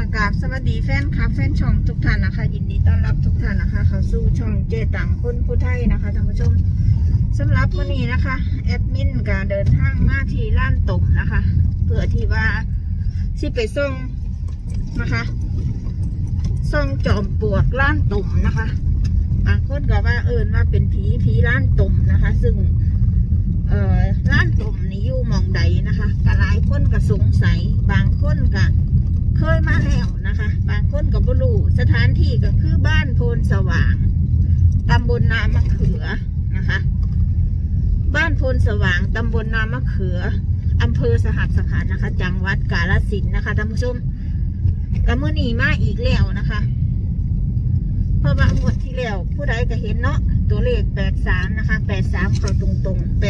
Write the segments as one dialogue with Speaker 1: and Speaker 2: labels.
Speaker 1: กราบสวัสดีแฟนคลับแฟนช่องทุกท่านนะคะยินดีต้อนรับทุกท่านนะคะเข้าสู่ช่องเจตังคนผู้ไทยนะคะท่านผู้ชมสำหรับวันนี้นะคะแอดมินก็เดินทางมาที่ร้านตุ่มนะคะเพื่อที่ว่าสิไปส่งนะคะส่งจอมปลวกร้านตุ่มนะคะบางคนก็ว่าว่าเป็นผีร้านตุ่มนะคะซึ่งร้านตุ่มนี่อยู่หม่องใดนะคะก็หลายคนก็สงสัยบางคนก็เคยมาแล้วนะคะบางคนก็บ่รู้สถานที่ก็คือบ้านโพนสว่างตำบลนามะเขือนะคะบ้านโพนสว่างตำบลนามะเขืออำเภอสหัสขันธ์นะคะจังหวัดกาฬสินธุ์นะคะท่านผู้ชมก็มื้อนี้มาอีกแล้วนะคะเพราะว่างวดที่แล้วผู้ใดก็เห็นเนาะตัวเลข83นะคะ83เข้าตรงๆ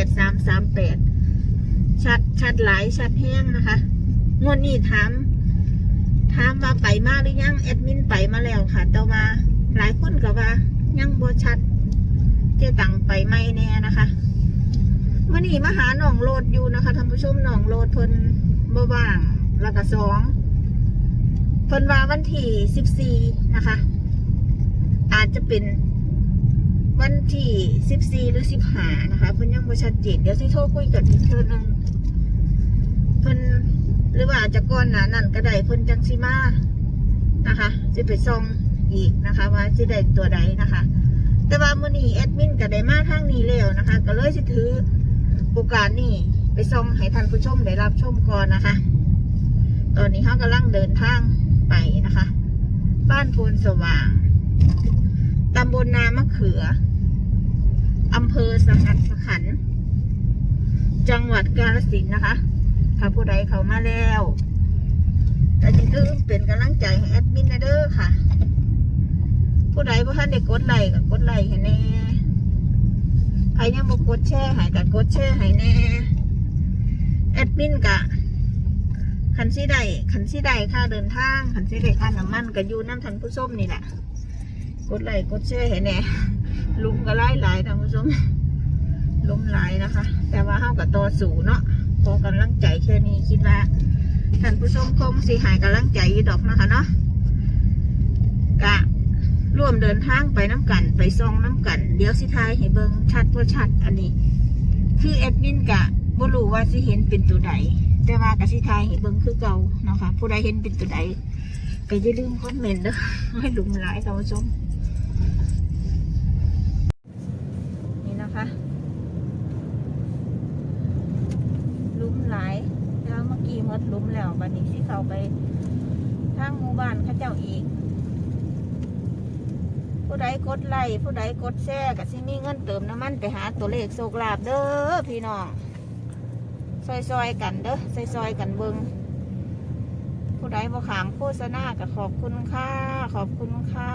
Speaker 1: 8338ชัดหลายชัดแห้งนะคะงวดนี้ถามว่าไปมาหรือยังแอดมินไปมาแล้วค่ะแต่ว่าหลายคนก็ว่ายังบ่ชัดเจ๊ตังไปไม่แน่นะคะมื่อนี้มาหาหนองโลดอยู่นะคะท่านผู้ชมหนองโลดเพิ่นบ่ว่างแล้วก็2เพิ่นว่าวันที่14นะคะอาจจะเป็นวันที่14หรือ15นะคะเพิ่นยังบ่ชัดเจนเดี๋ยวสิโทรคุยกันอีกเทื่อนึงเพิ่นหรือว่าจะก่อนหน้านั้นก็ได้เพิ่นจังสิมานะคะสิไปส่องอีกนะคะว่าสิได้ตัวใดนะคะแต่ว่ามื้อนี้แอดมินก็ได้มาทางนี้แล้วนะคะก็เลยสิถือโอกาสนี้ไปส่องให้ท่านผู้ชมได้รับชมก่อนนะคะตอนนี้เขากำลังเดินทางไปนะคะบ้านโพนสว่างตำบลนามะเขืออำเภอสหัสขันธ์จังหวัดกาฬสินธุ์นะคะถ้าผู้ใดเข้ามาแล้วแต่จะลืมเป็นกำลังใจให้แอดมินนะเด้อค่ะผู้ใดบ่ทันได้กดไลค์ก็กดไลค์ให้แน่ใครยังบ่กดแชร์ให้ก็กดแชร์ให้แน่แอดมินกะคันสิได้ค่าเดินทางคันสิได้ค่าน้ำมันก็อยู่น้ำท่านผู้ชมนี่แหละกดไลค์กดแชร์ให้แน่ลุมก็หลายท่านผู้ชมลุมหลายนะคะแต่ว่าเฮาก็ต่อสู้เนาะขอกำลังใจแค่นี้คิดว่าท่านผู้ชมคงสิหายกำลังใจอยู่ดอกนะคะเนาะกะร่วมเดินทางไปน้ำกันไปซองน้ำกันเดี๋ยวสิทายให้เบิ่งชัดว่าชัดอันนี้คือแอดมินกะบ่รู้ว่าสิเห็นเป็นตัวใดแต่ว่ากะสิทายให้เบิ่งคือเก่าเนาะค่ะผู้ใดเห็นเป็นตัวใดก็อย่าลืมคอมเมนต์เด้อให้ลุมหลายท่านผู้ชมนี่นะคะลุมหลายแล้วเมื่อกี้มดลุมแล้วบัดนี้สิเข้าไปทางหมู่บ้านเขาเจ้าอีกผู้ใดกดไลค์ผู้ใดกดแชร์ก็สิมีเงินเติมน้ำมันไปหาตัวเลขโชคลาภเด้อพี่น้องซอยกันเด้อซอยกันเบิ่งผู้ใดบ่ขามโฆษณาก็ขอบคุณค่ะขอบคุณค่ะ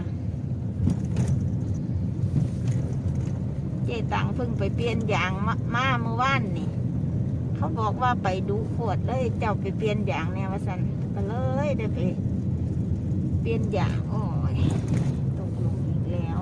Speaker 1: เจตังเพิ่งไปเปลี่ยนยางมาเมื่อวานนี่เขาบอกว่าไปดูขวดเลยเจ้าไปเปลี่ยนยางเนี่ยว่าสันก็เลยได้ไปเปลี่ยนยางโอ้ยตกลงอีกแล้ว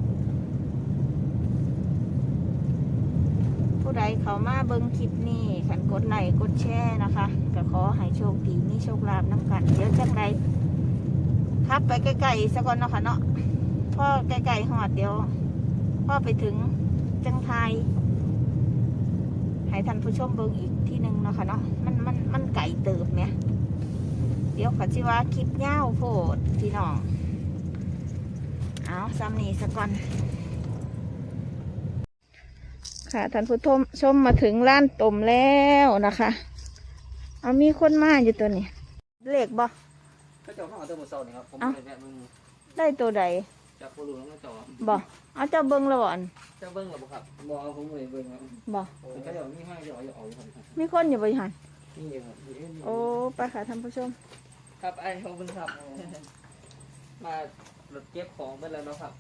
Speaker 1: ผู้ใดเขามาเบิ้งคลิปนี้ขันกดไลค์กดแชร์นะคะก็ขอให้โชคดีมีโชคลาภน้ำกันเดี๋ยวจังไรครับไปใกล้ๆสักก่อนเนาะค่ะเนาะพ่อใกล้ๆหอดเดี๋ยวพ่อไปถึงจังไทยให้ท่านผู้ชมเบิ่งอีกที่หนึ่งเนาะค่ะเนาะมันไก่เติบเนี่ยเดี๋ยวขอชิว่าคลิปยาวโพดพี่น้องเอาซ้ำนี้สักก่อนค่ะท่านผู้ชมมาถึงร้านต้มแล้วนะคะเอามีคนมาอยู่ตัวนี้เลขบ่
Speaker 2: ก็เจ้าข้าวตัวมือโซนครับผมเลยเนี่ยมึง
Speaker 1: ได้ตัวใด
Speaker 2: จากโคลูแล้วก็จอ
Speaker 1: บ่เอาเจ้าเบิ้งแล้วบ่อน
Speaker 2: เจ้าเบิ้งหรือบ่ครับบ่เอาผมเลยเบิ้งครับ
Speaker 1: บ่
Speaker 2: ก็เดี๋ยวมีให้เดี๋ยวเอาอยู่ครับ
Speaker 1: มีคนอยู่บ่หัน
Speaker 2: นี่ครับ
Speaker 1: โอ้ไปค่ะท่านผู้ชม
Speaker 2: ครับไอ้เขาเป็นครับมารถเก็บของเป็นแล้วเนาะครับ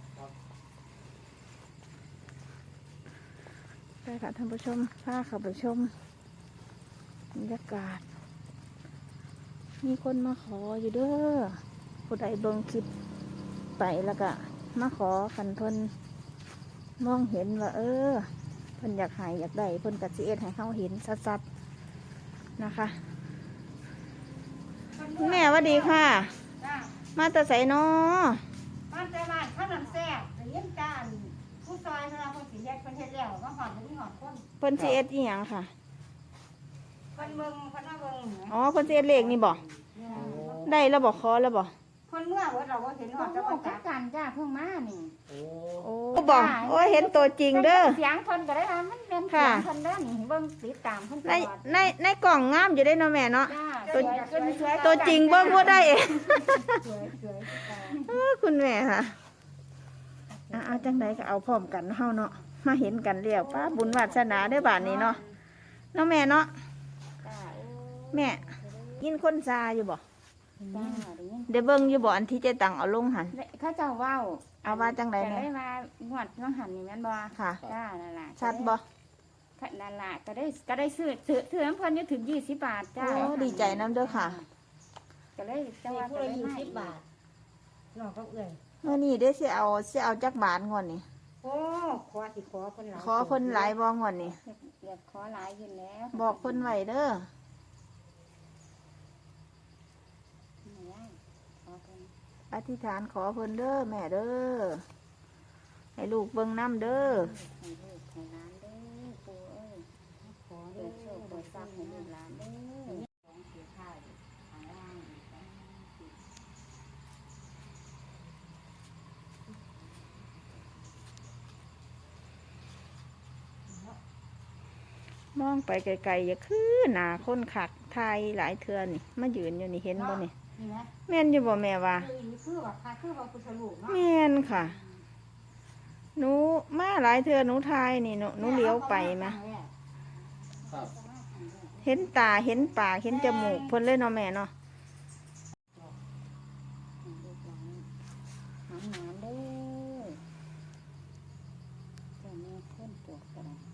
Speaker 1: ไปค่ะท่านผู้ชมพาเข้าไปชมบรรยากาศมีคนมาขออยู่เด้อผู้ใดเบิ่งคลิปไปแล้วก็มาขอขันเพิ่นมองเห็นว่าเพิ่นอยากหายอยากได้เพิ่นกัดสิเอ็ดให้เขาเห็นชัดๆนะคะแม่หวัดดีค่ะ
Speaker 3: จ้า
Speaker 1: มาแต่ไสน้อ
Speaker 3: บ้านแต่บ้านข้าวหนำแซ่บแต่เลี้ยงจานผู้ซอยเวลาคนสีแยกคนเฮ็ดแล้วก็หอดมีหอดคน
Speaker 1: เพิ่นสิเอ็ดอีหยังค่ะ
Speaker 3: คนเบิ่งคนมาเบิ่งเนี่ย
Speaker 1: อ๋อเพิ่นสิเอ็ดเลขนี่บ่ได้แล้วบ่ขอแล้วบ่
Speaker 3: คนเมื่อเวิร์ดเราก็เห็นหอดจะมาจักกันจ้าเพิ่งมานี่
Speaker 2: โอ้
Speaker 1: โอ้บ่โอ้ยเห็นตัวจริงเด้อ
Speaker 3: เสียงคนก็ได้ว่ามันเป็นเสียงคนเด้อนี่เบิ่งติดตามคนต
Speaker 1: ใน
Speaker 3: ลอด
Speaker 1: ในกล่องงามอยู่ได้เนาะแม่เนาะ
Speaker 3: จ้า
Speaker 1: ตัว
Speaker 3: สวย
Speaker 1: ตัวจริงเบิ่งบ่ได้เอง
Speaker 3: สวยสวย
Speaker 1: คุณแม่ค่ะเอาจังไดก็เอาพร้อมกันเฮาเนาะมาเห็นกันแล้วป้าบุญวาสนาได้อบาดนี้เนาะเนาะแม่เนาะ
Speaker 3: จ้า
Speaker 1: แม่ยินคนซาอยู่บ่
Speaker 3: จ้า
Speaker 1: เดี๋ยวเบิ่งอยู่บ่อันที่เจะตังเอาลงหัน
Speaker 3: เขาเจ้าว้าว
Speaker 1: เอาว่าจังได
Speaker 3: แต่
Speaker 1: แม่
Speaker 3: ได้มางวดน้องหันนี่แม่นบ่
Speaker 1: ค่ะ
Speaker 3: จ้านั่นล่ะ
Speaker 1: ชัดบ่
Speaker 3: นั่นล่ะก็ได้ซื้อน้ำเพิ่นอยู่ถึง20 บาทจ้า
Speaker 1: โอ้ดีใจนํเด้อค่ะ
Speaker 3: ก็เลยจะว่าก็เลย20 บาทนอกก็เอื่อย
Speaker 1: เมื่อนี้ได้สิเอาจักบาทงวดนี้
Speaker 3: โอ้ขอสิขอเพิ่นหลาย
Speaker 1: ขอเพิ่นหลายบ่งวดนี้
Speaker 3: อยากขอหลายอยู่แล้ว
Speaker 1: บอกเพิ่นไว้เด้อ
Speaker 3: ขอเพิ่น
Speaker 1: อธิษฐานขอเพิ่นเด้อแม่เด้อให้ลูกเบิ่งน้ำเด้อ
Speaker 3: ให้ลูกให้หลานเด้อปู่เอ้ยขอเด้อโชคเปิดทรัพย์ให้ลูกหลานเด้อของเสียค่าทางล่าง
Speaker 1: มองไปไกลๆอย่าคือหน้าคนคักทายหลายเทื่อนี่มายืนอยู่นี่เห็นบ่นี่
Speaker 3: นี่นะ
Speaker 1: แม่นอยู่บ่แม่ว่า
Speaker 3: คือว่าค่ะคือว่าพุทธลูกเนาะ
Speaker 1: แม่นค่ะ หนูมาหลายเทื่อหนูทายนี่หนูเลี้ยวไปมา
Speaker 2: ครับ
Speaker 1: เห็นตาเห็นปากเห็นจมูกเพิ่นเลยเนาะแม่เนาะ
Speaker 3: ลูกหลานหาหนานเด้อเจ้าแม่คนปวดกระดาษ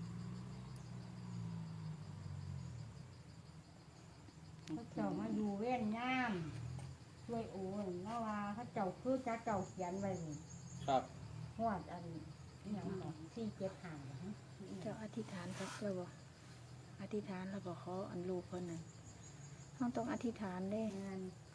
Speaker 3: เขาเจ้ามาอยู่เว้นย่ามช่วยโอนเมื่อว่าเขาเจ้าคือจะเจ้าเขียนไว้นี่
Speaker 2: ครับ
Speaker 3: หวดอันนี้อย่างของที่เจ็บหางนะ
Speaker 1: เจ้าอธิษฐานครับแล้วบ่อธิษฐานแล้วบ่ขออันลูกเพิ่นนั่นเฮาต้องอธิษฐานเด้
Speaker 3: งาน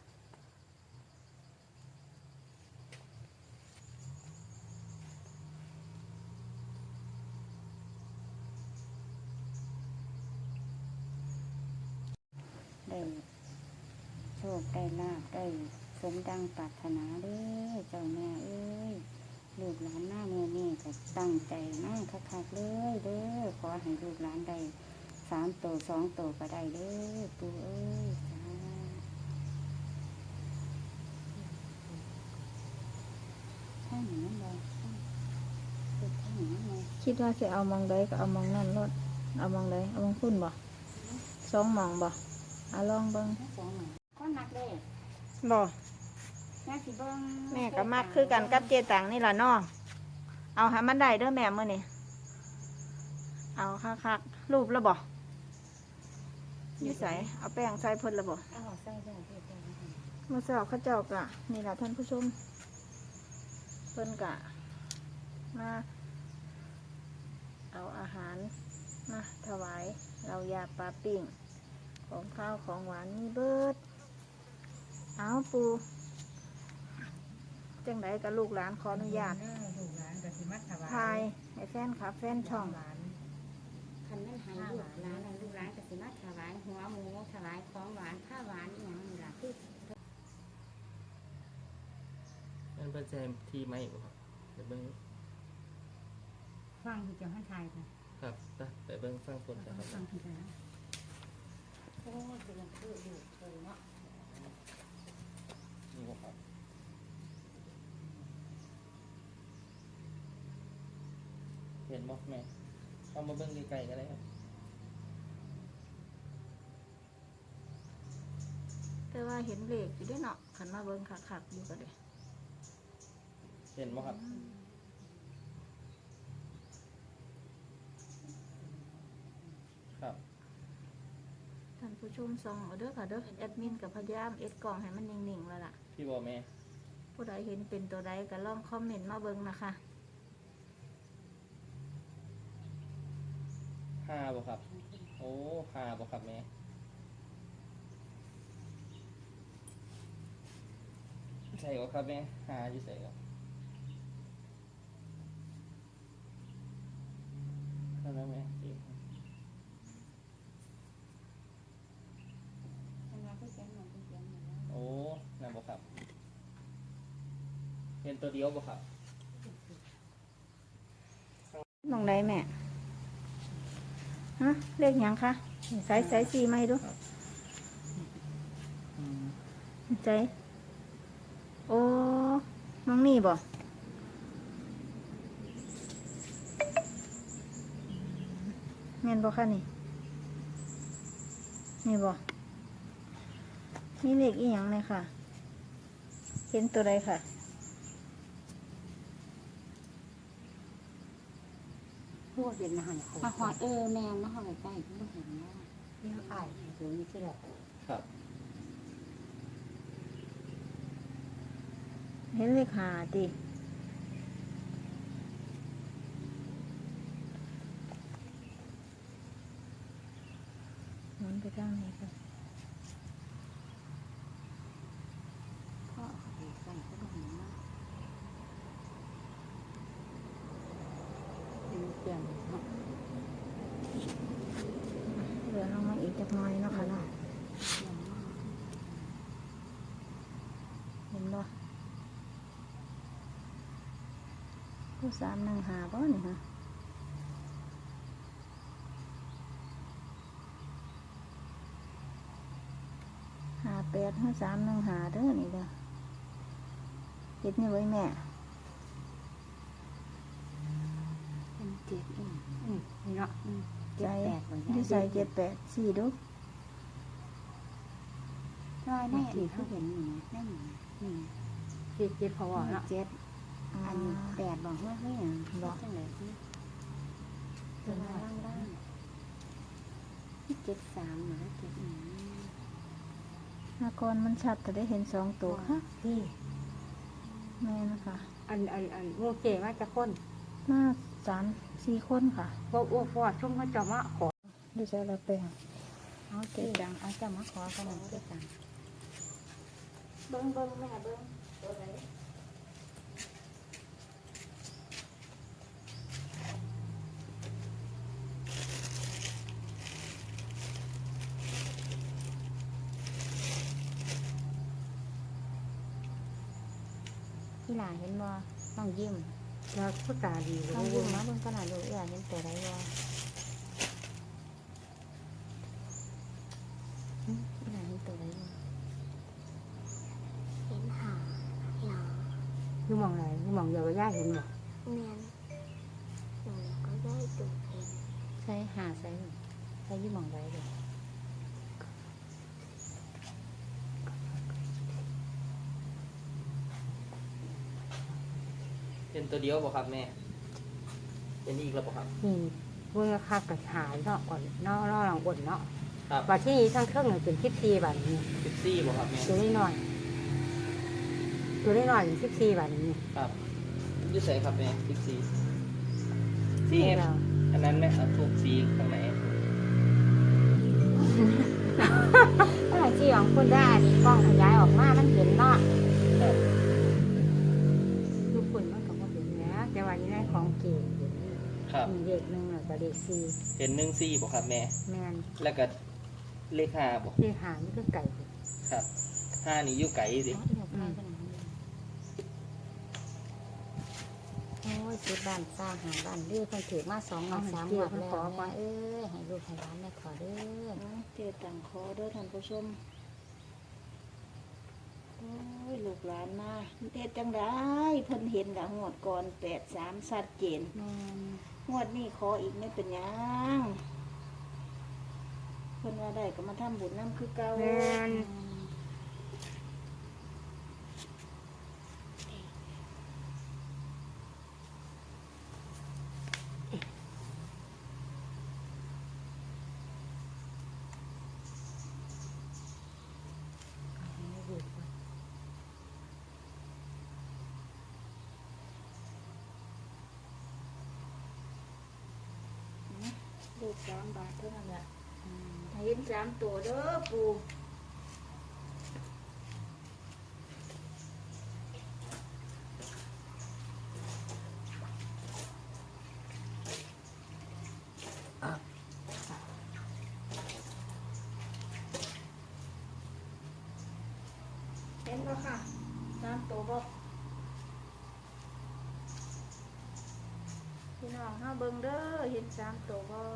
Speaker 3: ได้โชคได้ลาภได้สมดังปรารถนาเด้อเจ้าแม่เอ้ยลูกหลานหน้าเมื่อนี่ก็ตั้งใจมากคักๆเลยเด้อขอให้ลูกหลานได้3 ตัว 2 ตัวก็ได้เด้อปู่เอ้ยสาธุข้างหนึ่งนั่นเลยเป็นข้างหนึ่งนั่นเลย
Speaker 1: คิดว่าสิเอามองใดก็เอามองนั่นรถเอามองใดเอามองพุ่นบ่สองมองบ่เอาลองเบิ่ง
Speaker 3: ทั้งสองหนึ่งก็นักเลย
Speaker 1: บ่
Speaker 3: แม่สิเบิ้ง
Speaker 1: แม่ก็มักคือกันกับเจตังนี่ล่ะเนาะเอาให้มันได้เด้อแม่มื้อนี้เอาคักๆรูปแล้วบ่อยู่ไสเอาแป้งใส่เพิ่นแล้วบ่
Speaker 3: เอาใส่ได้เด้อเด้อ
Speaker 1: เมื่อเช้าเขาเจ้ากะนี่ล่ะท่านผู้ชมเพิ่นกะมาเอาอาหารมาถวายเรายาปลาปิ้งของข้าวของหวานมีเบิดเอาปูจังไดกับลูกหลานขออนุญาต
Speaker 3: ลูกหลานก็สิมาถวาย
Speaker 1: ทายให้แฟนคลับแฟนช่อง
Speaker 3: คันนั้นให้ลูกหลานนั่นลูกหลานก็สิมาถวายหัวหมูถวายของหวานข้าวหวานอหย่างนี้ล่ะคือ
Speaker 2: นั่นเป็นแจมทีไหมบ่ครับเดี๋ยวเบิ้ง
Speaker 3: ฟังที่จะให้ทายค่ะ
Speaker 2: ครับไปเบิ้งฟังคนกันครับ
Speaker 3: ฟังที่จะนะโอ้ยเป็นคืออยู่เพิ่นเนาะ
Speaker 2: นี่บ่ครับเห็นบ่แม่เอามาเบิ้งไกลๆกันเลยครับ
Speaker 1: แต่ว่าเห็นเลขอยู่เด้วยเนาะขันมาเบิ่งคักๆอยู่ก็ได้
Speaker 2: เห็นบ่ครับครับ
Speaker 1: ท่านผู้ชมส่องเอาเด้อค่ะเด้อแอดมินกับพยายามเอ็ดกล่องให้มันนิ่งๆแล้วล่ะ
Speaker 2: พี่บ่แม่
Speaker 1: ผู้ใดเห็นเป็นตัวใดก็ลองคอมเมนต์มาเบิ่งนะคะ
Speaker 2: 5บ่ครับโอ้5บ่ครับแม่ใส่ก็ครับแม่หาอยู่ใส่ก็เข้าแล้วแม่ โอ้นั่นบ่ครับเห็นตัวเดียวบ่ครับ
Speaker 1: มองได้แม่ฮะเลขหยังคะใส่สีไหมดูใจโอ้มองนี่บ่แม่นบ่คะนี่นี่บ่นี่เลขอีหยังเลยค่ะเห็นตัวใดค่ะ
Speaker 3: พวกเป็นอาหารมาหอดแมงมาหอดใกล้ๆไม่เห็นว่าเนี่ยอายอยู่นี่ที่แหละ
Speaker 2: ครับ
Speaker 1: เห็นเลขหาดิหมุนไปทางไหนกัน
Speaker 3: พ่อดีใส่ก็ไม่เห็นว่าเป็นเปลี่ยนเนาะ
Speaker 1: เหลือลงมาอีกจักหน่อยเนาะค่ะเนาะเห็นบ่ผู้315บ่นี่ฮะ58ให้315เด้อนี่เด้อเฮ็ดนี่ไว้แม่
Speaker 3: เป็นเจ็ดนี่เนาะเจ็
Speaker 1: ใจ
Speaker 3: ดแปดเหมือนกัน
Speaker 1: ที่ใส่78สี่ดู
Speaker 3: รอยแน่ที่เขาเห็นนี่แน่นี่นี่เจ็ดพอเนาะเจ็ดอันนี้แปดบอกว่าเฮ้ยบอกจังเลยตัวล่าง73หรือ71
Speaker 1: หากรมันชัดแต่ได้เห็น2ตัวค่ะ
Speaker 3: พี่
Speaker 1: แม่นะคะ
Speaker 3: อันโมเกว่าจะคน
Speaker 1: มา3-4คนค่ะ
Speaker 3: ว่าอ้วกว่าชุ่มเขาจะมาขอ
Speaker 1: ดูใส่ละแปลง
Speaker 3: เอาเจ็ดดังเอาจะมาขอขนมเจ็ดดัง
Speaker 1: เบิ้งแม่เบิ้งตัวไหน
Speaker 3: ที่หลานเห็นบ่ต้องยิ้มแล้วพูดตาดีเลยต้องยิ้มนะเบิ่งขนาดดูอยากเห็นตัวไรบ่ที่หลานเห็นตัวไรบ่
Speaker 4: เห็นหาหนอ
Speaker 3: ยูมองไหนยูมองเดียวก็ย่าเห็นบ่
Speaker 4: เมียนหนูก็ได้ตูเห็น
Speaker 3: ใช่หาใช่ใช่ยูมองไรเลย
Speaker 2: เป็นตัวเดียวบ่ครับแม่เป็นอีกแล้วบ่ครับ
Speaker 3: นี่เบิ่งราคากับหายเนาะก่อนเนาะหลังบนเนาะ
Speaker 2: ครับ
Speaker 3: บาทที่ทั้งเครื่องหนึ่งเป็น14 บาทนี่
Speaker 2: 14บ่ครับแม่
Speaker 3: ตัวน้อยตัวน้อยเป็น14 บาทนี่
Speaker 2: ครับอยู่ใส่ครับแม่14สี
Speaker 3: นี่เรา
Speaker 2: อันนั้นแม่เอาทุกสีข้างไหน
Speaker 3: ถ้าที่ของคุณได้อันนี้กล้องขยายออกมามันเห็นเนาะ
Speaker 2: ครับ
Speaker 3: ทุกคนมันก็บ่เห็นนะแต่ว่านี่ได้ของเก่ง
Speaker 2: ครับ
Speaker 3: มีเด็กหนึ่งแล้วก็เด็กสี่
Speaker 2: เห็น14บ่ครับแม่
Speaker 3: แมน
Speaker 2: แล้วก็เลข5บ่
Speaker 3: เด็กหานี่ก็ไก่
Speaker 2: ครับ5นี่อยู่ไกลดิ
Speaker 3: โอ้ยซื้อบ้านสร้างหาบ้านเรื่อยคนถือมา2 3 3หมดแล้วแม่ให้ลูกให้ร้านแม่ขอเด้อ
Speaker 1: เจตังคอเด้อท่านผู้ชมโอ้ยลูกหลานมาเฮ็ดจังได้เพิ่นเห็นกับงวดก่อน83ชัดเจน
Speaker 3: แมน
Speaker 1: งวดนี้ขออีกไม่เป็นหยังเพิ่นว่าได้ก็มาทำบุญน้ำคือเก่า
Speaker 3: แมน
Speaker 1: ลูก3 บาทเท่านั้นแหละให้เห็น3 ตัวเด้อปู่เห็นบ่ค่ะ3ตัวบ่พี่น้องเฮาเบิ่งเด้อเห็น3ตัวบ่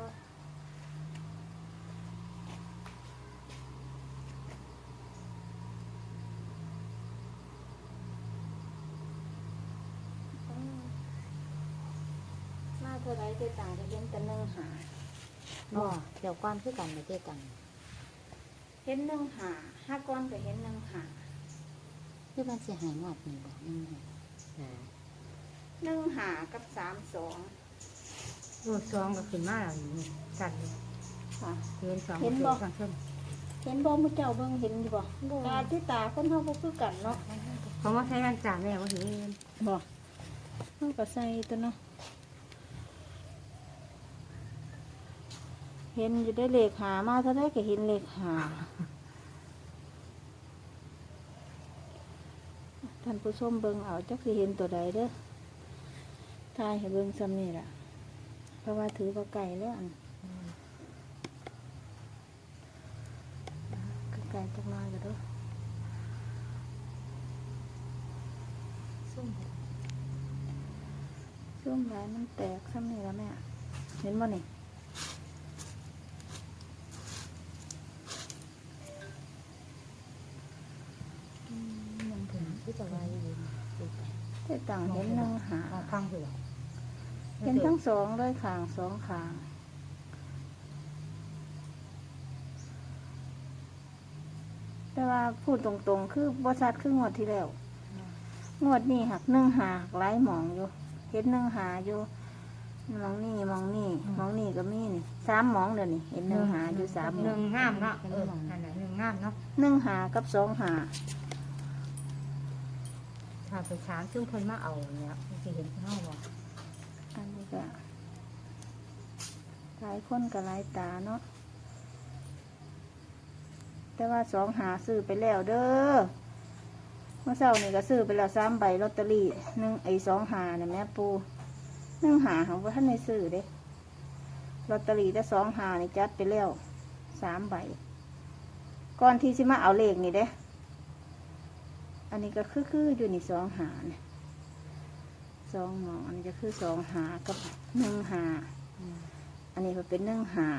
Speaker 1: มาเท่าไรเจ๊ต่างจะเห็นแต่1 หา
Speaker 3: บ่เดี๋ยวก้อนคือกันไม่เจอกัน
Speaker 1: เห็น1 หา5ก้อนก็เห็น1 หา
Speaker 3: คือมันสิหายงวดนี่บ่นี่ไง
Speaker 1: 1 หากับ32
Speaker 3: รูดซองก็ขึ้นมาแล้วนี่สั่น
Speaker 1: ค่ะ
Speaker 3: เห็นสอง
Speaker 1: เห็นบ่
Speaker 3: ข้างเพิ่น
Speaker 1: เห็นบ่มื้อเจ้าเบิ่งเห็นอยู่บ่ตาที่ตาคนเฮาบ่คือกันเนาะ
Speaker 3: เพราะว่าใช้กันจ่าแม่บ่เห็น
Speaker 1: บ่เฮาก็ใส่ตัวเนาะเห็นอยู่ได้เลขหามาเท่าใดก็เห็นเลขหาท่านผู้ชมเบิ่งเอาจักสิเห็นตัวใดเด้อทายให้เบิ่งซ้ำนี่ล่ะเพราะว่าถือว่าไก่แล้วอันไก่จักหน้อยก็เด้อ
Speaker 3: ซุ่ม
Speaker 1: ช่วงหลายมันแตกซ้ำนี่แล้วแม่เห็นบ่นี่
Speaker 3: มันถึงที่จะว่าอยู่ดูไป
Speaker 1: แต่ต่างเห็น1 หา
Speaker 3: เอาฟังเถอะ
Speaker 1: เห็นทั้ง2เลยข้าง2ข้าง แต่ว่าพูดตรงๆ คือบริษัทคืองวดที่แล้ว งวดนี้หัก1 หาหลายหมองอยู่ เห็น1 หาอยู่มองนี่มองนี่มองนี่ก็มีนี่3 หมองเดี๋ยวนี้เห็น1 หาอยู่3 หม
Speaker 3: ห
Speaker 1: อ
Speaker 3: นึ่
Speaker 1: ง
Speaker 3: งงามเนาะอันไหนหนึ่งงามเนาะ
Speaker 1: 1 หากับ2 หา
Speaker 3: ถ้าไปถามซึ่งเพิ่นมาเอาเนี่ยสิเห็นเฮาบ่
Speaker 1: อันนี้ก็หลายคนกับหลายตาเนาะแต่ว่า2 หาซื้อไปแล้วเด้อเมื่อเช้านี่ก็ซื้อไปแล้ว3 ใบลอตเตอรี่2 หาเนี่ยแม่ปู1 หาของว่าท่านในซื้อเด้ลอตเตอรี่แต่2 หานี่จัดไปแล้ว3 ใบก่อนที่สิมาเอาเลขนี่เด้อันนี้ก็คืออยู่นี่2 หาเนี่ย2 หมองอันนี้จะคือ2 หากับ1 หาอันนี้ก็เป็น1 หา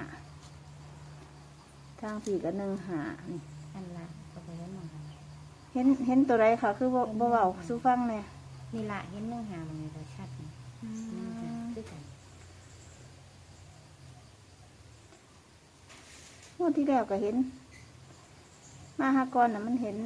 Speaker 1: ทางสี่ก็1 หานี่
Speaker 3: อันละก็ไปเห็นหมอง
Speaker 1: เห็นตัวไรค่ะ คือบ่เบาสู้ฟังเลย
Speaker 3: นี่ละเห็นเนื้อหามันเราชัดนี่คือกัน
Speaker 1: งวดที่แล้วก็เห็น มาหากรน่ะมันเห็น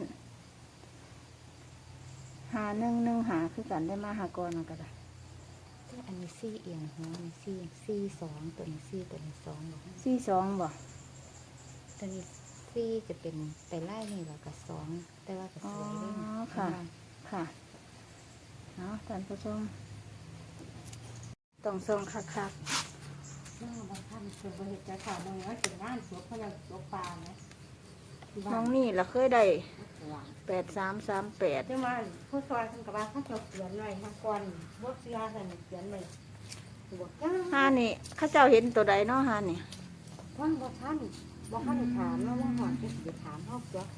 Speaker 1: หา1 หาคือกันได้มาหากรมันก็ได้
Speaker 3: แต่อันนี้ซี่เอียงหัวนี่ซี่2ตัวนี้ซี่ตัวนี้2บ่
Speaker 1: 42บ่
Speaker 3: ตัวนี้ซี่จะเป็นไปไล่นี่แล้วก็2แต่ว่าก็สวยด้วยนะ
Speaker 1: ค่ะเนาะท่านผู้ชมต้องส่งคัก
Speaker 3: น้าบางท่านเป็นบริษัทข่าวบางว่าเป็นงานสวนเขาจะสวนปลานะ
Speaker 1: ๆน้องนี่ล่ะเคยได้8338
Speaker 3: แต่ว่าผู้ซอยท่านกับว่าเขาจะเขียนไว้ทางก่อนบทเสียท่านเขียนไว้บทก้า
Speaker 1: หานี่เข้าเจ้าเห็นตัวใดเนาะหานี่
Speaker 3: ท่านบอกท่านถามแล้วว่าหอนจะสิถามเขาจ้ะ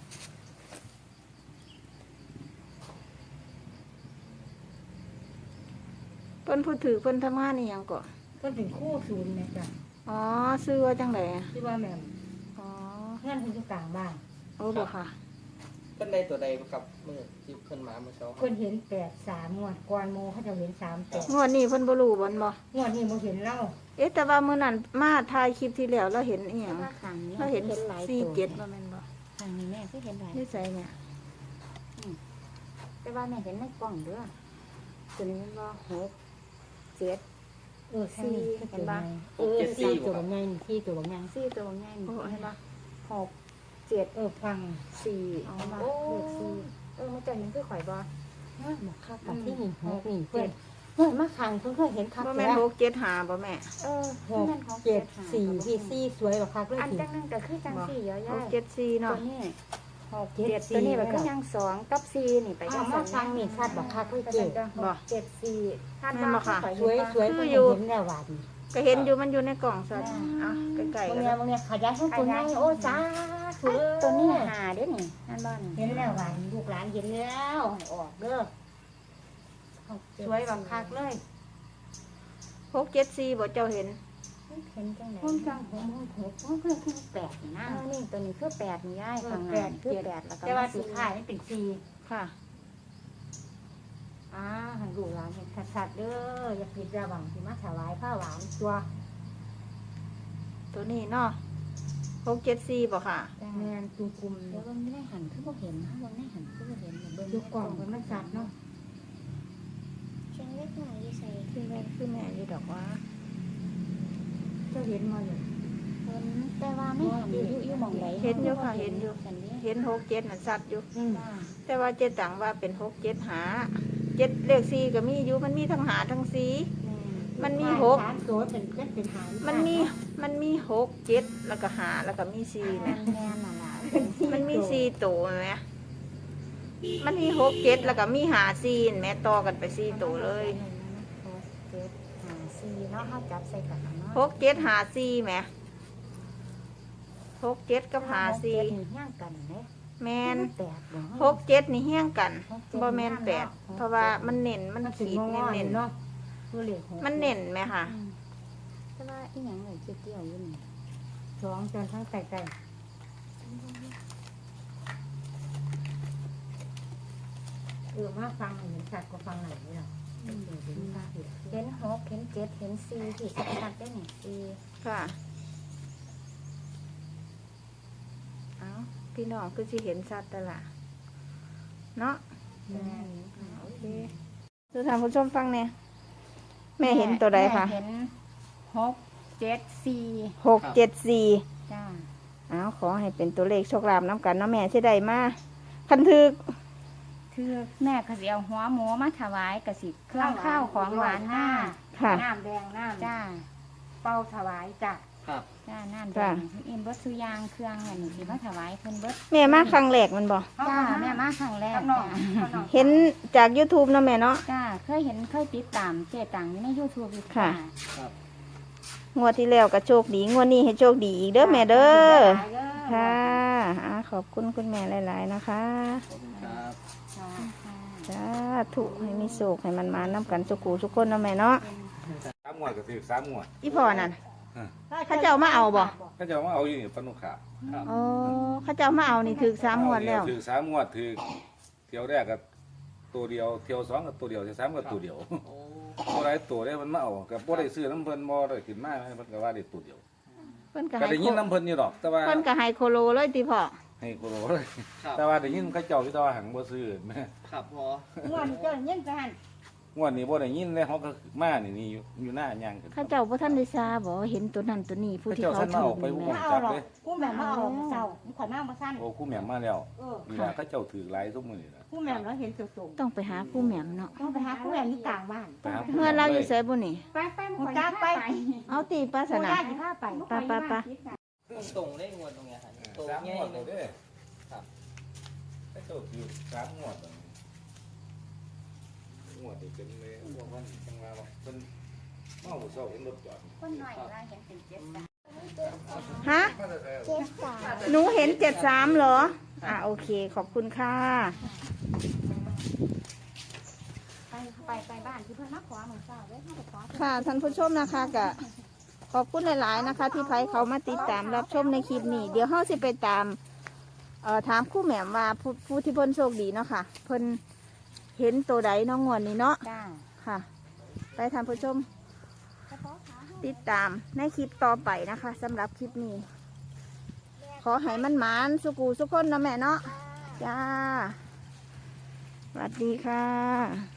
Speaker 1: เพิ่นพูดถือเพิ่นทำงานนี่หยังก่อ
Speaker 3: เพิ่นเป็นคู่ศูนย์นะจ๊ะ
Speaker 1: อ๋อซื้อว่าจังได
Speaker 3: ที่ว่าแม่
Speaker 1: อ๋อ
Speaker 3: เพื่อนเพิ่นอยู่กลางบ้าน
Speaker 1: โอ้บ่ค่ะ
Speaker 2: เพิ่นได้ตัวใดกับมือที่เพิ่นมาเมื่อเช้า
Speaker 3: เพิ่นเห็น83งวดก่อนโมเขาจะเห็น38
Speaker 1: งวดนี้เพิ่นบ่รู้บ่นบ่
Speaker 3: งวดนี้บ่เห็นเล่า
Speaker 1: เอ๊ะแต่ว่ามื้อนั้นมาถ่ายคลิปที่แล้วเราเห็นอีหยัง
Speaker 3: ว่าขังนี้
Speaker 1: เราเห็น
Speaker 3: หลาย
Speaker 1: 47บ่แม่นบ่
Speaker 3: ขังนี้แม่ก็เห็นหลาย
Speaker 1: นี่ใส่เนี่ย
Speaker 3: แต่ว่าแม่เห็นในกล้องเด้อตัวนี้มันว่า6 7สี่เห็นปะสี่ตัวบางไงสี่ตัวบางไง
Speaker 1: 4ตัวใหญ่
Speaker 3: โอ้
Speaker 1: นี่
Speaker 3: เห็
Speaker 1: เห็
Speaker 3: น
Speaker 1: น
Speaker 3: ปะ
Speaker 1: บ่
Speaker 3: 6 7ฟัง4เห็นปะเลข4มันจะเห็นคือข่อยบ่บอกคักกับที่นี่6นี่เพื่อนมาขังเพิ่งเคยเห็นคัก
Speaker 1: บ่
Speaker 3: แล้
Speaker 1: แม่น
Speaker 3: ว
Speaker 1: 6 7 5บ่แม่
Speaker 3: 6 7 4ที่4สวยแบบคักเลย
Speaker 4: อัน
Speaker 3: สิ
Speaker 4: จังนึงก็คือจังสี่เยอะ
Speaker 1: 6
Speaker 4: แยะ
Speaker 1: 7 4
Speaker 3: ตัว
Speaker 1: เนาะ
Speaker 3: นี้6
Speaker 4: เจ็ด
Speaker 3: 7
Speaker 4: ตัวนี้มัน
Speaker 3: 4
Speaker 4: ก็ยัง2กับ4นี่ไป
Speaker 3: เอา
Speaker 4: จัง
Speaker 3: มา
Speaker 4: ซั่น
Speaker 3: ฟังนี่ชัดบอกคักเลย
Speaker 4: ไป
Speaker 3: เจ๊
Speaker 4: จัง6 7 4คาดว่าข่อย
Speaker 3: สวยสวยเพิ่งเห็นแล้วว่าดี
Speaker 1: ก็เห็นอยู่มันอยู่ในกล่องซะเอาใกล้ๆ
Speaker 3: บาง
Speaker 1: กัน
Speaker 3: เนี่ยบางเนี่ยขยายให้ตัวใหญ่โอ้จ้า
Speaker 4: ผู้
Speaker 3: ตัวนี้หาเด้อนี่นั่นบ้าน
Speaker 4: เห็นแล้วว่าลูกหลานเห็นแล้วให้ออกเด้อ
Speaker 3: สวยบักคักเลย
Speaker 1: 674บ่เจ้าเห็น
Speaker 4: เห็นจังไหน
Speaker 3: พุ่นจังผม6มันคือ8นี่นะนี่ตัวนี้คือ8นี่ย้ายข้างหน้าคือ8แล้วก็
Speaker 4: แต่ว่า
Speaker 3: มา
Speaker 4: สุดท้ายมันเป็นสี่
Speaker 1: ค่ะ
Speaker 4: ให้ลูกหลานเห็นชัดๆเด้ออย่าผิดระวังที่มาถวายผ้าหวานตัว
Speaker 1: ตัวนี้เนาะ674บ่ค่ะ
Speaker 4: แม่นตุ่มคุม
Speaker 3: เดี๋ยวเบิ่งไม่ได้หันคือบ่เห็นนะเบิ่งได้หันคือบ่เห็นเบิ่ง
Speaker 4: ดูกล่องมันชัดเนาะ
Speaker 3: เชียงเล็กหน่อยอยู่ใส่
Speaker 1: คือแม่อยู่ดอกว่า
Speaker 4: เจ้าเห็นมาอยู่
Speaker 3: เพิ่นแต่ว่าไม่หันอยู่หม่องใด
Speaker 1: เห็นอยู่ค่ะเห็นอยู่
Speaker 3: ฉันเด้
Speaker 1: เห็น67นั่นชัดอยู่
Speaker 3: จ้า
Speaker 1: แต่ว่าเจ๊ตังว่าเป็น6 7หา7เลข4ก็มีอยู่มันมีทั้งหาทั้ง4มันมี6
Speaker 4: สามตัวเป็นเจ็ดเป็นหาง
Speaker 1: มันมี6 7แล้วก็หาแล้วก็มี4
Speaker 3: แม่
Speaker 1: แม่
Speaker 3: น่ะล่ะ
Speaker 1: มันมี4ตัวแม่มันมี6 7แล้วก็มีหา4แม่ต่อกันไป4ตัวเลย
Speaker 3: 4เนาะเฮาจับใส่กันเนาะ
Speaker 1: 6 7หา4แม่6 7กับหา
Speaker 3: ย่าง
Speaker 1: 4
Speaker 3: กันเด้
Speaker 1: แม่น
Speaker 3: 8บ่
Speaker 1: 6 7นี่เฮี้ยงกันบ่แม่น8เพราะว่ามันเน้นมัน
Speaker 4: ถึง
Speaker 1: ขีด
Speaker 4: งอ
Speaker 1: เน้น
Speaker 4: เนาะตัวเหล็ก
Speaker 1: ๆมันเน้นไหมค่ะ
Speaker 3: แต่ว่าอีหยังเลยเกี่ยวอยู่นี่
Speaker 4: สองจนทั้งแตกมาฟังเห็นชัดกว่าฟังไหนนี่หรอเห็น
Speaker 3: เห็น6เห็น7เห็น4ที่ชัดได้นี่4
Speaker 1: ค่ะเอาพี่น้องคือสิเห็นชัดแต่ละเนาะ โอเคดูท่านผู้ชมฟังเนี่ยแม่เห็นตัวใดคะ
Speaker 3: เห็น6 7 4
Speaker 1: 6 7 4
Speaker 3: จ้า
Speaker 1: เอาขอให้เป็นตัวเลขโชคลาภน้ำกันเนาะแม่สิได้มาคันทึก
Speaker 3: คือแม่ก็สิเอาหัวหมูมาถวายกสิเครื่องข้าวของหวานหน้า
Speaker 1: ค่ะ
Speaker 4: น้ำแดงน้ำ
Speaker 3: จ้า
Speaker 4: เป้าถวายจ้ะ
Speaker 2: ครับ
Speaker 3: จ้าน้ำแด
Speaker 1: จ้า
Speaker 3: งเอ็มเบิดสุยางเครื่องอันนี้สิมาถวายเพิ่นเบิด
Speaker 1: แม่มาครั้งแรกมันบ่
Speaker 3: จ้าแม่มาครั้งแรก
Speaker 4: ข้างนอก
Speaker 3: จ้า
Speaker 4: ข้างนอก
Speaker 1: เห็นจาก YouTube เนาะแม่เนาะ
Speaker 3: จ้าเคยเห็นเคยติดตามเจตังอยู่ใน YouTube อยู่
Speaker 1: ค่ะ
Speaker 2: ครับ
Speaker 1: งวดที่แล้วก็โชคดีงวดนี้ให้โชคดีอีกเด้อแม่เด้อ
Speaker 4: หลายเด้อ
Speaker 1: ค่ะขอบคุณคุณแม่หลาย ๆ นะคะ
Speaker 2: ขอบคุณครับ
Speaker 3: ค่ะค่ะ
Speaker 1: จ้าถูกให้มีโชคให้มันมาน้ำกันสุกูทุกคนเนาะแม่เนาะ
Speaker 5: 3 งวดก็ถือ3 งวด
Speaker 1: อีพ่อนั่นเขาเจ้ามาเอาบ่
Speaker 5: เขาจะมาเอาอยู่นี่ปนุขาว
Speaker 2: ครับ
Speaker 1: อ๋อเขาเจ้ามาเอานี่ถึก3งวดแล้ว
Speaker 5: ถือ3 งวดถือเที่ยวแรกกับตัวเดียวเที่ยว2กับตัวเดียวเที่ยว3กับตัวเดียว
Speaker 2: โอ้
Speaker 5: บ่ได้ตัวได้มันมาเอากับบ่ได้ซื้อน้ำเพิ่นบ่ได้ขึ้นมาเพิ่นก็ว่าได้ตัวเดียว
Speaker 1: เพิ่นก็
Speaker 5: ก็
Speaker 1: ให้
Speaker 5: ได้ยินน้ำเพิ่นอยู่ดอก แต่ว่า
Speaker 1: เพิ่นก็ให้โคโลเลยติพ่อ
Speaker 5: ให้โคโลเลย
Speaker 2: ครับ
Speaker 5: แต่ว่าได้ยินเขาเจ้าอยู่แต่ว่าหังบ่ซื้อแม่
Speaker 2: ครับพอ
Speaker 4: ม่วนเจ้าเงี้ยกัน
Speaker 5: งวดนี้บ่ได้ยินเลยเขาก็มานี่อยู่หน้าย่างกัน
Speaker 1: เขาเจ้าบ่ทันได้ทราบบ่เห็นตัวนั้นตัวนี้ผู้ที่เขา
Speaker 5: เขาเจ้าท่านมา
Speaker 1: ถู
Speaker 5: เอา
Speaker 1: ก
Speaker 5: ไป
Speaker 1: นี่
Speaker 5: บ่
Speaker 1: แม่
Speaker 4: มาเอาหรอกกูแม่มาเอาเศร้าขอยมามาสั้น
Speaker 5: โอ้ครูแหม่มมาแล้ว
Speaker 4: เออ
Speaker 5: นี่ล่ะเขาเจ้าถือหลายซุมื้อนี่ล่ะ
Speaker 4: กูแม่เราเห็นสูง
Speaker 1: ต้องไปหาผู้แหม่มเนาะ
Speaker 4: ๆต้องไปหากูแม่อยู่กลางบ้าน
Speaker 5: ไปหาผู้
Speaker 1: เมื่อเราอยู่ไสบ่นี่
Speaker 4: ไปมึงจ้าไป
Speaker 1: เอาตีปาส
Speaker 4: กู
Speaker 1: นะ
Speaker 4: ได้กี่ผ้าไป
Speaker 1: ไป
Speaker 2: ตรงได้งวดตรงเนี้ยครับตรง
Speaker 5: 3
Speaker 2: ง่าง
Speaker 5: วย ด
Speaker 2: เล
Speaker 5: เลย
Speaker 2: ย
Speaker 5: เด้
Speaker 2: ครับ
Speaker 5: เขาเจ้าถือ3 งวดแล้วงวดนี่เป็นเลยว่ามันจังว่าเพิ่นมาเอาเช้าเห็นรถจอด
Speaker 3: คนหน่อยเวลาเห็นเป็น7
Speaker 1: ฮะ
Speaker 5: มาแต่ไส
Speaker 1: หนูเห็น73เหรอโอเคขอบคุณค่ะ
Speaker 3: ไปบ้านที่เพิ่นมาขอหมู่เจ้าเด้อเฮาไปขอ
Speaker 1: ค่ะท่านผู้ชมนะคะก็ขอบคุณหลาย ๆ นะคะ ที่ไผเขามาติดตามรับชมในคลิปนี้ เดี๋ยวเฮาสิไปตามถามครู่แหม่มว่าผู้ที่เพิ่นโชคดีเนาะค่ะ เพิ่นเห็นตัวใดเน้องงวดนี้เนาะ
Speaker 3: จ้า
Speaker 1: ค่ะ ไปท่านผู้ชมติดตามในคลิปต่อไปนะคะสำหรับคลิปนี้ ขอให้มันหมานสุกูสุกคนเนาะแม่เนาะจ้าสวัสดีค่ะ